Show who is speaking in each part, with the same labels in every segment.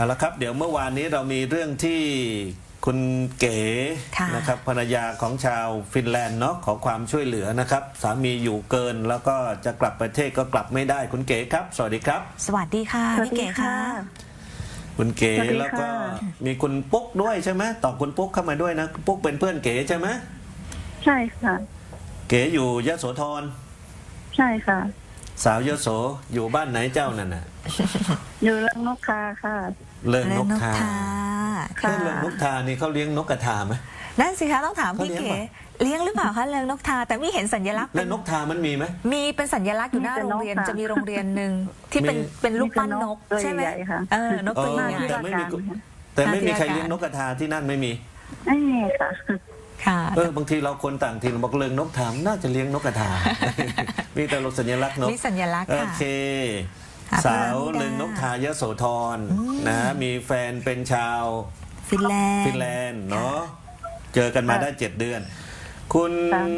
Speaker 1: เอาละครับเดี๋ยวเมื่อวานนี้เรามีเรื่องที่คุณเก๋นะครับภรรยาของชาวฟินแลนด์เนาะขอความช่วยเหลือนะครับสามีอยู่เกินแล้วก็จะกลับประเทศก็กลับไม่ได้คุณเก๋ครับสวัสดีครับ
Speaker 2: สวัสดีค่ะพี่เก๋ค่ะ
Speaker 1: คุณเก๋แล้วก็มีคุณปุ๊กด้วยใช่ไหมต่อคุณปุ๊กเข้ามาด้วยนะปุ๊กเป็นเพื่อนเก๋ใช่ไหม
Speaker 3: ใช่ค่ะ
Speaker 1: เก๋อยู่ยโสธร
Speaker 3: ใช่ค่ะ
Speaker 1: สาวยโสอยู่บ้านไหนเจ้านั่นน่ะ
Speaker 3: อยู่เริงนกทาค่ะ
Speaker 1: เริงนกทา
Speaker 3: ค่ะ
Speaker 1: เริงนกทานี่เขาเลี้ยงนกกระทาไหม
Speaker 2: นั่นสิคะต้องถามพี่เก๋เลี้ยงหรือเปล่าคะเริงนกทาแต่ไม่เห็นสัญลักษณ์
Speaker 1: เริงนกทามันมีไหม
Speaker 2: มีเป็นสัญลักษณ์อยู่หน้าโรงเรียนจะมีโรงเรียนหนึ่งที่เป็นรูปปั้นนกใช่ไหมนกตัวใหญ่
Speaker 1: แต่ไม่มีใครเลี้ยงนกกระทาที่นั่นไม่มี
Speaker 3: ไม่มีค่ะ
Speaker 2: ค่ะ
Speaker 1: บางทีเราคนต่างถิ่นบอกเริงนกทาน่าจะเลี้ยงนกกระทามีแต่สัญลักษณ์นก
Speaker 2: มีสัญลักษณ์
Speaker 1: โอเคสาวเริงนกทายโสธรนะมีแฟนเป็นชาว
Speaker 2: ฟินแลน
Speaker 1: ด์เนาะเจอกันมาได้7 เดือนคุณ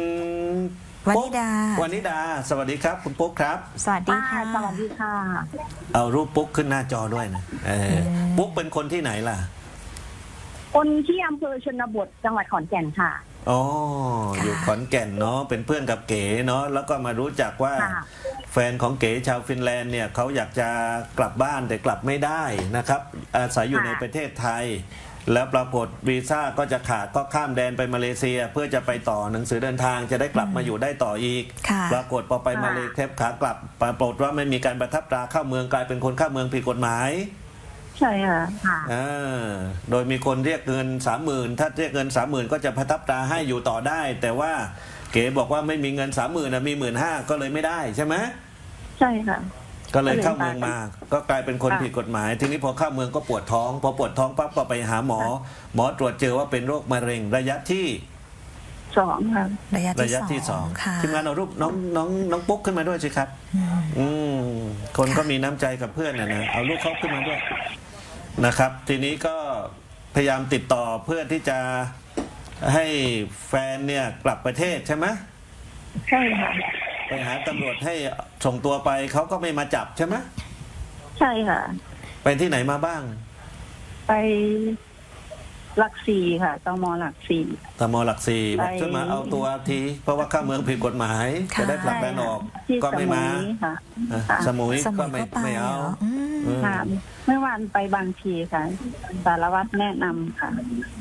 Speaker 1: วนิดาสวัสดีครับคุณปุ๊กครับ
Speaker 2: สวัสดีค่ะ
Speaker 3: สวัสดีค่ะ
Speaker 1: เอารูปปุ๊กขึ้นหน้าจอด้วยนะปุ๊กเป็นคนที่ไหนล่ะ
Speaker 3: คนที่อำเภอชนบทจังหวัดขอนแก่นค่ะ
Speaker 1: อ๋ออยู่ขอนแก่นเนาะเป็นเพื่อนกับเก๋เนาะแล้วก็มารู้จักว่าแฟนของเก๋ชาวฟินแลนด์เนี่ยเขาอยากจะกลับบ้านแต่กลับไม่ได้นะครับอาศัยอยู่ในประเทศไทยแล้วปรากฏวีซ่าก็จะขาดก็ข้ามแดนไปมาเลเซียเพื่อจะไปต่อหนังสือเดินทางจะได้กลับมาอยู่ได้ต่ออีกปรากฏพอไปมาเลเซียขากลับปรากฏว่าไม่มีการประทับตราเข้าเมืองกลายเป็นคนเข้าเมืองผิดกฎหมาย
Speaker 3: ใช่ค่ะ
Speaker 1: โดยมีคนเรียกเงิน 30,000 ถ้าเรียกเงิน 30,000 ก็จะประทับตราให้อยู่ต่อได้ แต่ว่าเก๋บอกว่าไม่มีเงิน 30,000นะมี 15,000 ก็เลยไม่ได้ใช่ไหม
Speaker 3: ใช่ค่ะ
Speaker 1: ก็เลยเข้าเมืองมาก็กลายเป็นคนผิดกฎหมายทีนี้พอเข้าเมืองก็ปวดท้องพอปวดท้องปั๊บก็ไปหาหมอตรวจเจอว่าเป็นโรคมะเร็งระยะที่
Speaker 3: 2ค่ะ
Speaker 1: ระยะที่ 2ทีมงานเอารูปน้องปุ๊กขึ้นมาด้วยสิครับคนก็มีน้ำใจกับเพื่อนนะเอารูปเขาขึ้นมาด้วยนะครับทีนี้ก็พยายามติดต่อเพื่อที่จะให้แฟนเนี่ยกลับประเทศใช่ไหม
Speaker 3: ใช่ค่ะ
Speaker 1: ไปหาตำรวจให้ส่งตัวไปเขาก็ไม่มาจับใช่ไหม
Speaker 3: ใช่ค่ะ
Speaker 1: ไปที่ไหนมาบ้าง
Speaker 3: ไปหลักสี่ค่ะตม.หลักสี่
Speaker 1: บอกช่วยมาเอาตัวทีเพราะว่าเข้าเมืองผิดกฎหมายจะได้ผลักดันออกก็ไม่มาสมุยก็ไม่เอา
Speaker 3: เมื่อวานไปบางทีค่ะสารวัตรแนะนำค่ะ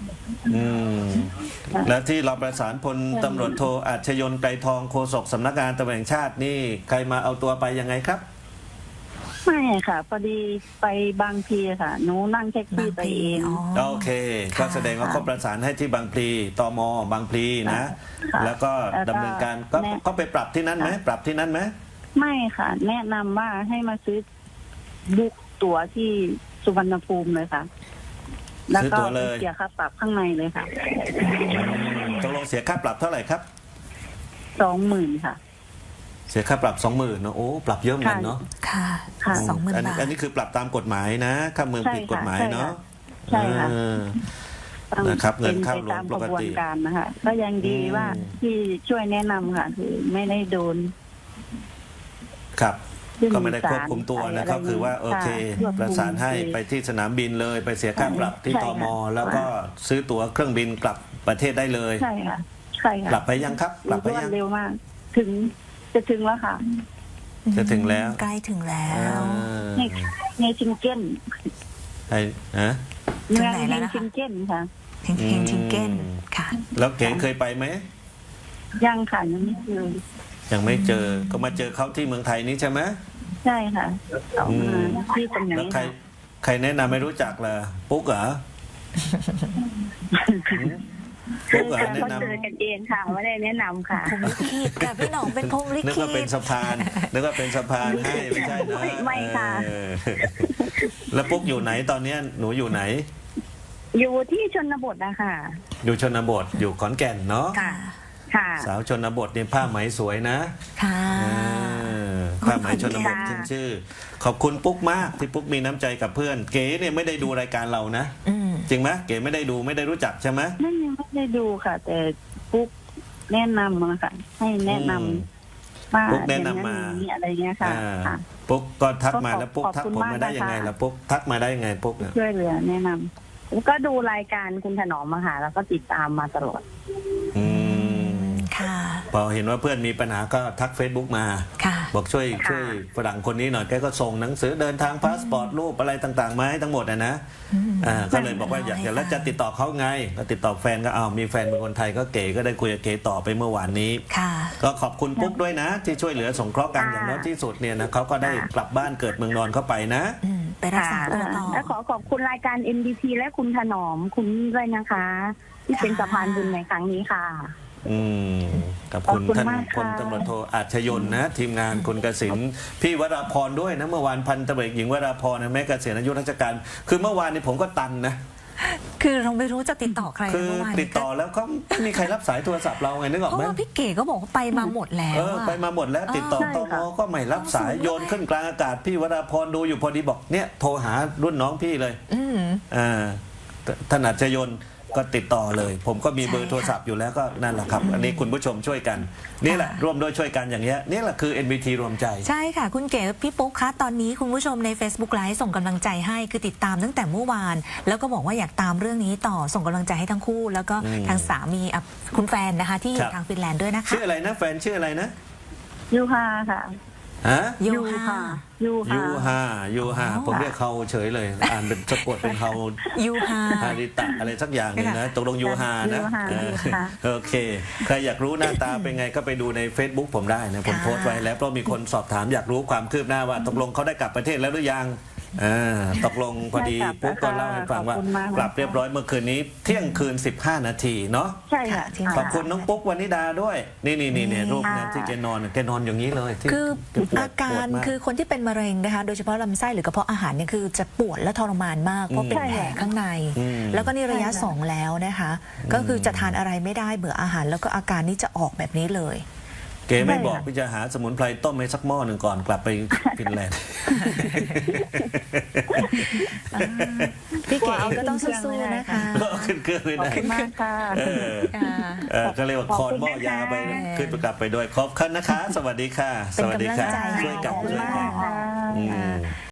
Speaker 1: แล้วที่เราประสานพลตำรวจโทอาชญนไกรทองโฆษกสำนักงานตำรวจแห่งชาตินี่ใครมาเอาตัวไปยังไงครับ
Speaker 3: ไม่ค่ะพอดีไปบางพลีค่ะหนูนั่งแท็กซี่ไปเอง
Speaker 1: โอเคก็แสดงว่าเขาประสานให้ที่บางพลีตม.บางพลีนะแล้วก็ดำเนินการก็ไปปรับที่นั่นไหมปรับที่นั่นไหม
Speaker 3: ไม่ค่ะแนะนำว่าให้มาซื้อบุ๊กตั๋วที่สุวรรณภูมิเลยค่ะแล้วก็เสียค่าปรับข้างในเลยค่ะ
Speaker 1: ตกลงเสียค่าปรับเท่าไหร่ครับ
Speaker 3: 20,000ค่ะ
Speaker 1: เสียค่าปรับ 20,000เนาะโอ้ปรับเยอะเหมือนกันเนาะ
Speaker 2: ค่ะ20,000 บาท
Speaker 1: อันนี้คือปรับตามกฎหมายนะเข้าเมืองผิดกฎหมายเนาะ
Speaker 3: ใช่ค่ะ
Speaker 1: นะครับเงินเข้าหลวงปกติ
Speaker 3: การนะคะก็ยังดีว่าที่ช่วยแนะนำค่ะคือไม่ได้โดน
Speaker 1: ครับก็ไม่ได้ควบคุมตัวนะครับคือว่าโอเคประสานให้ไปที่สนามบินเลยไปเสียค่าปรับที่ตม.แล้วก็ซื้อตั๋วเครื่องบินกลับประเทศได้เลย
Speaker 3: ใช่ค่ะใช่ค่ะ
Speaker 1: กลับไปยังครับกลับไปยัง
Speaker 3: เร็วมากจะถึงแล้วค่ะ
Speaker 1: จะถึงแล้ว
Speaker 2: ใกล้ถึงแล้ว
Speaker 3: ในชิงเก้น
Speaker 1: ไอ้
Speaker 3: เมืองในชิงเก้นค่ะ
Speaker 2: ชิงเก้นค่ะ
Speaker 1: แล้วเก๋เคยไปไหม
Speaker 3: ยังค่ะ
Speaker 1: ยังไม่เจอก็มาเจอเขาที่เมืองไทยนี้ใช่ไหม
Speaker 3: ใช่ค่ะที่ตรงไหน
Speaker 1: แล้วใครแนะนำไม่รู้จักล่ะปุ๊กเหรอ
Speaker 3: ปุ๊กเหรอแนะนำเจอกันเองค่ะไม่ได้แนะนำค่ะ
Speaker 2: พรหมลิขิตค่ะพี่หนองเป็นพรหมลิขิต
Speaker 1: นึกว่าเป็นสะพานให้ไม่ใช่นะ
Speaker 3: ไม่ค่ะ
Speaker 1: แล้วปุ๊กอยู่ไหนตอนนี้หนูอยู่ไหน
Speaker 3: อยู่ที่ชนบทนะคะ
Speaker 1: อยู่ชนบทอยู่ขอนแก่นเนาะสาวชนบทเนี่ยผ้าไหมสวยนะ
Speaker 2: ค่ะ
Speaker 1: ผ้าไหมชนบทขึ้นชื่อขอบคุณปุ๊กมากที่ปุ๊กมีน้ำใจกับเพื่อนเก๋เนี่ยไม่ได้ดูรายการเรานะจริงไหมเก๋ไม่ได้ดูไม่ได้รู้จักใช่ไหม
Speaker 3: ไม่ได้ดูค่ะแต่ปุ๊กแนะนำมาค่ะให้แนะนำว่า
Speaker 1: ปุ๊กแนะนำมา
Speaker 3: อะไรเงี้ยค่ะ
Speaker 1: ปุ๊กก็ทักมา
Speaker 3: ก็ขอบ
Speaker 1: แล้วปุ๊กทัก
Speaker 3: ขอบคุณ
Speaker 1: ผมมาได้
Speaker 3: มากนะคะ
Speaker 1: ยังไงล่ะปุ๊กทักมาได้ยังไงปุ๊กเนี่ย
Speaker 3: ช่วยเหลือแนะนำก็ดูรายการคุณถนอมมาหาแล้วก็ติดตามมาตลอด
Speaker 1: อืม
Speaker 2: ค่ะ
Speaker 1: พอเห็นว่าเพื่อนมีปัญหาก็ทัก Facebook มา
Speaker 2: ค่ะ
Speaker 1: บอกช่วย
Speaker 3: ค่ะ
Speaker 1: ช่วยฝรั่งคนนี้หน่อยแกก็ส่งหนังสือเดินทางพาสปอร์ตรูปอะไรต่างๆมาให้ทั้งหมดนะก็เลยบอกว่าอยากจะแล้วจะติดต่อเขาไงก็ติดต่อแฟนก็เอามีแฟนเป็นคนไทยก็เก๋ก็ได้คุยกับเก๋ต่อไปเมื่อวานนี้
Speaker 2: ค่ะ
Speaker 1: ก็ขอบคุณปุ๊กด้วยนะ ที่ช่วยเหลือสงเคราะห์กัน
Speaker 3: ค่ะ
Speaker 1: อย่างน้อยที่สุดเนี่ยนะเขาก็ได้กลับบ้านเกิดเมืองนอนเข้าไปนะ
Speaker 2: ไปรักษาตัวต่อ
Speaker 3: และขอขอบคุณรายการ MDT และคุณถนอมคุณด้วยนะคะ ที่เป็นสะพานบุญในครั้งนี้ค่ะ
Speaker 1: อืมกับคุณ
Speaker 3: ขอบคุณ
Speaker 1: ท่าน
Speaker 3: มาก
Speaker 1: พล
Speaker 3: ค่ะ
Speaker 1: ตำรวจโทอาชยนต์นะ ทีมงานคุณเกษิณพี่วราพรด้วยนะเมื่อวานพันตำรวจหญิงวราพรนะแม้เกษียณอายุราชการคือเมื่อวานนี้ผมก็ตันนะ
Speaker 2: คือเราไม่รู้จะติดต่อใคร
Speaker 1: คือ
Speaker 2: เมื่อวาน
Speaker 1: ติดต่อแล้วเขาไม่มีใครรับสายโทรศัพท์เราไงนึกออก
Speaker 2: เพราะ
Speaker 1: ไหม
Speaker 2: ว่าพี่เก๋ก็บอกว่าไปมาหมดแล้วอะ
Speaker 1: ไปมาหมดแล้วติดต่อ
Speaker 3: ใช่
Speaker 1: ต
Speaker 3: ค่ะ
Speaker 1: มก็ไม่รับสายโยนขึ้นกลางอากาศพี่วราพรดูอยู่พอดีบอกเนี่ยโทรหารุ่นน้องพี่เลย
Speaker 2: อืม
Speaker 1: ท่านอาชยนต์ก็ติดต่อเลย ผมก็มี
Speaker 2: ใช่
Speaker 1: เบอร์โทรศัพท์อยู่แล้วก็นั่นแหละครับ อันนี้คุณผู้ชมช่วยกัน นี่แหละร่วมด้วยช่วยกันอย่างเงี้ยนี่แหละคือ NBT รวมใจ
Speaker 2: ใช่ค่ะ คุณเก๋พี่ปุ๊กคะตอนนี้คุณผู้ชมใน Facebook Live ส่งกำลังใจให้คือติดตามตั้งแต่เมื่อวาน แล้วก็บอกว่าอยากตามเรื่องนี้ต่อส่งกำลังใจให้ทั้งคู่ แล้วก็ทางสามีคุณแฟนนะคะที่อ
Speaker 1: ครั
Speaker 2: ยู่
Speaker 1: บ
Speaker 2: ทางฟินแลนด์ด้วยนะคะ
Speaker 1: ชื่ออะไรนะแฟนชื่ออะไรนะ
Speaker 3: ยูฮาค่ะ
Speaker 1: ฮะ
Speaker 2: ยู
Speaker 3: ยู
Speaker 2: ฮา
Speaker 3: ค่ะยู
Speaker 1: ยู
Speaker 3: ฮา
Speaker 1: ฮายูฮา
Speaker 2: อ๋อ
Speaker 1: ผมเรียกเขาเฉยเลย อ่านเป็นสะกดเป็นเขา
Speaker 2: ยูฮา
Speaker 1: ฮาริตะอะไรสักอย่างหนึงนะตกลงยูฮานะ
Speaker 3: ยูฮา
Speaker 1: เออ
Speaker 3: ยูฮา
Speaker 1: โอเค ใครอยากรู้หน้าตาเป็นไงก็ไปดูใน Facebook ผมได้นะผม
Speaker 2: ค่ะ
Speaker 1: โพสต์ไว้แล้วเพราะมีคนสอบถามอยากรู้ความคืบหน้าว่าตกลงเขาได้กลับประเทศแล้วหรือยังตกลงพอดี
Speaker 3: ได้กลับ
Speaker 1: ปุ๊กก็
Speaker 3: แล้วค่ะ
Speaker 1: เล่าให้ฟังว่า
Speaker 3: ขอบคุณมาก
Speaker 1: กลับเรียบร้อยเมื่อคืนนี้เที่ยงคืน 15 นาทีเนาะ
Speaker 3: ใช่ค่ะ
Speaker 2: ค่ะ
Speaker 1: ขอบคุณน้องปุ๊กวนิดาด้วย นี่รูปนะที่แกนอนอย่างนี้เลยที่
Speaker 2: คือ
Speaker 1: แปวด
Speaker 2: อาการ
Speaker 1: ปวดม
Speaker 2: คือคนที่เป็นมะเร็งนะคะ โดยเฉพาะลำไส้หรือกระเพาะอาหารเนี่ยคือจะปวดและทรมานมากเพราะเป็นแผลข้างใน แล้วก็นี่ระยะ
Speaker 3: ใช่ค่ะ
Speaker 2: 2 แล้วนะคะ ก็คือจะทานอะไรไม่ได้เบื่ออาหารแล้วก็อาการนี้จะออกแบบนี้เลย
Speaker 1: เก๋ไม่บอกพี่จะหาสมุนไพรต้มให้สักหม้อหนึ่งก่อนกลับไปฟินแลนด์
Speaker 2: พี่เก๋เองก็ต้องสู้ๆนะคะ
Speaker 1: ขึ้นเครื่องไม่
Speaker 3: ขอบ
Speaker 1: ได้
Speaker 3: คุณมากค่ะ
Speaker 2: ค่ะ
Speaker 1: ก็เรียกว่าคอนหม้อยาไป
Speaker 2: ขอบคุณนะคะ
Speaker 1: ขึ้นไปกลับไปด้วยขอบคุณนะคะ สวัสดีค่ะ
Speaker 2: เป็น
Speaker 1: สวัสดีค่ะ
Speaker 2: กำลังใจให้
Speaker 1: ช่วยกัน
Speaker 3: ขอบคุณ
Speaker 1: ช่วย
Speaker 3: มา
Speaker 1: กัน
Speaker 3: กค่ะ
Speaker 1: อืม